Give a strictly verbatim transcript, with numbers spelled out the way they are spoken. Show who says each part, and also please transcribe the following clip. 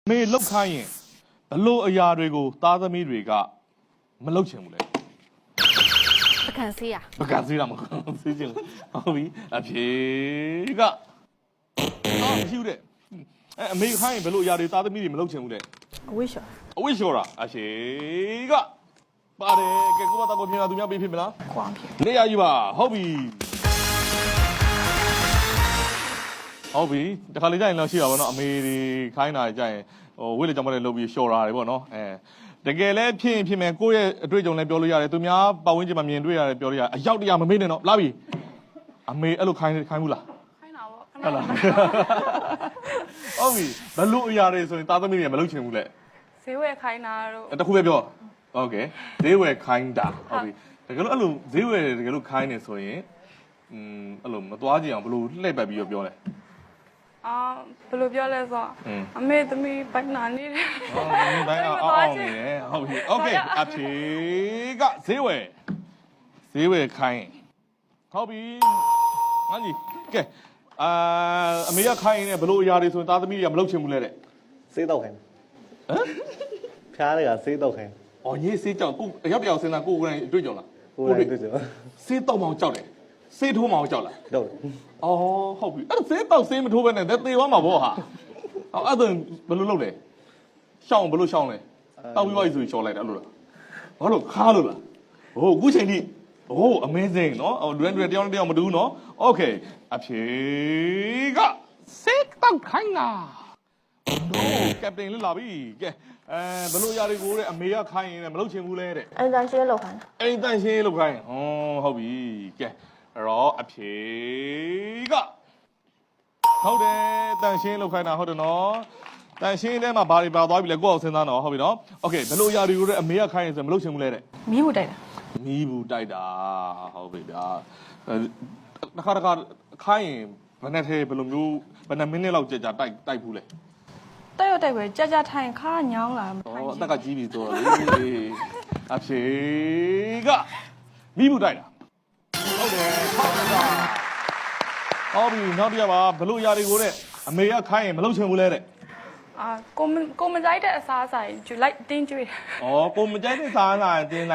Speaker 1: မေလောက်ခိုင်းရင်ဘလို့အရာတွေကိုသားသမီးတွေကမလောက်ချင်ဘူးလေ
Speaker 2: ပကံစီးရ
Speaker 1: ပကံစီးတာမဟုတ်စီးချင်ဟုတ်ပြီအဖြေကအော်မရှိဘူးတဲ့အဲအမေခိုင်းရင်ဘလို့အရာတွေသားသမီးတွေမလောက်ချင်ဘူးတဲ့အ
Speaker 2: ဝိရှော
Speaker 1: အဝိရှောတာအဖြေကပါတယ်ကဲကိုမတော်ကိုပြင်လာသူများပေးဖြစ်မလား
Speaker 2: ခွန်ဖြစ်
Speaker 1: နေရယူပါဟုတ်ပြီဟုတ်ပြီတခါလေကြာရင်တော့ရှိပါဘောနော်အမေတွေခိုင်းတာကြာရင်ဟိုဝိလေကြောင့်မလဲလုပ်ပြီးရှော်တာတွေပေါ့နော်အဲတကယ်လဲဖြစ်ရင်ဖြစ်မယ်ကိုယ့်ရဲ့အတွေ့အကြုံလည်းပြောလို့ရတယ်သူများပတ်ဝန်းကျင်မှာမြင်တွေ့ရတယ်ပြောလို့ရတယ်အရောက်တရားမမေ့နဲ့တော့လာပြီအမေအဲ့လိုခိုင်းခိုင်းဘူးလား
Speaker 2: ခိုင်းတာပေါ့
Speaker 1: ဟုတ်လားဟုတ်ပြီဘလို့အရာတွေဆိုရင်သားသမီးတွေမလုပ်ချင်ဘူးလေ
Speaker 2: ဈေးဝယ်ခိုင်းတာတို့
Speaker 1: တခုပဲပြောโอเคဈေးဝယ်ခိုင်းတာဟုတ်ပြီတကယ်လို့အဲ့လိုဈေးဝယ်တကယ်လို့ခိုင်းနေဆိုရင်อืมအဲ့လိုမသွားကြည့်အောင်ဘလို့လှည့်ပတ်ပြီးတော့ပြောလဲ
Speaker 2: အာဘယ်လိုပြောလဲဆိုတော့အမေသမီးပိုင်နာနေတယ်
Speaker 1: ဟုတ်ပြီဘိုင်းအောင်အောင်နေတယ်ဟုတ်ပြီโอเคအဖြေကဈေးဝယ်ဈေးဝယ်ခိုင်းဟုတ်ပြီငါကြီးကဲအာအမေကခိုင်းနေဘလို့အရာတွေဆိုရင်သားသမီးတွေကမလုပ်ချင်ဘူးလေတဲ့
Speaker 3: စေးတော့ခိုင်း
Speaker 1: ဟမ်
Speaker 3: ဖျားတွေကစေးတော့ခိုင်း
Speaker 1: ။အော်ရေးစေးကြောက်ကိုအရောက်တယောက်စဉ်းစားကိုကိုယ်တိုင်တွေ့ကြလား
Speaker 3: ကိုယ်တိုင်တွေ့ကြ
Speaker 1: ။စေးတောက်မောင်ကြောက်တယ်။စေးထိုးမောင်ကြောက်လား
Speaker 3: တော့
Speaker 1: ။အော်ဟုတ်ပြီ။အဲ့ဒါစေးတောက်စေးမထိုးဘဲနဲ့သေသွားမှာပေါ့ဟာ။အော်အဲ့ဒါဘယ်လိုလုပ်လဲ။ရှောင်းဘယ်လိုရှောင်းလဲ။တောက်ပြီးပါဆိုရှောင်းလိုက်တာအဲ့လိုလား။ဘာလို့ခါလို့လား။ဟိုအခုချိန်ထိဟို amazing နော်။ဟိုလူတွေတယောက်နဲ့တယောက်မတူဘူးနော်။ Okay အဖြေကစေးတောက်ခိုင်းတာ။ no ကပတိန်လွတ်လာပြီ။ကဲအဲဘယ်လိုຢာတွေကိုတဲ့အမေကခိုင်းရင်လည်းမလုပ်ချင်ဘူးလဲတဲ့
Speaker 4: အဲ့ဒါရှင်းလောက်ခိုင်း
Speaker 1: အိမ်တန်ရှင်းလုပ်ခိုင်းဟောဟုတ်ပြီကဲအဲ့တော့အဖြေကဟုတ်တယ်တန်ရှင်းလုပ်ခိုင်းတာဟုတ်တယ်နော်တန်ရှင်းထဲမှာဘာတွေပါသွားပြီလဲကိုယ့်အောင်စဉ်းစားတော့ဟုတ်ပြီနော်โอเคဘယ်လိုຢာတွေကိုတဲ့အမေကခိုင်းရင်ဆိုမလုပ်ချင်ဘူးလဲတဲ့
Speaker 2: မီးဘူးတိုက်တာ
Speaker 1: မီးဘူးတိုက်တာဟုတ်ပြီဗျာတစ်ခါတစ်ခါခိုင်းရင်ဘယ်နဲ့သေးဘယ်လိုမျိုးဘယ်နှမိနစ်လောက်ကြာကြာတိုက်တိုက်ဘူးလဲ
Speaker 2: တိုက်ရတိုက်ပဲကြာကြာထိုင်ခါညောင်းလာ
Speaker 1: ဩအသက်ကကြီးပြီဆိုတော့လေအဖြေကမိဘူးတိုက်တာဟုတ်တယ်ဟုတ်တယ်ဟောပြီနောက်တစ်ရပါဘလို့ຢာတွေကိုတဲ့အမေကခိုင်းရင်မလုပ်ချင်ဘူးလဲတဲ့
Speaker 2: အာကိုကိုမကြိုက်တဲ့အစားအစာယူလိုက်တင်းကျွေး
Speaker 1: ဩကိုမကြိုက်တဲ့စားလာတင်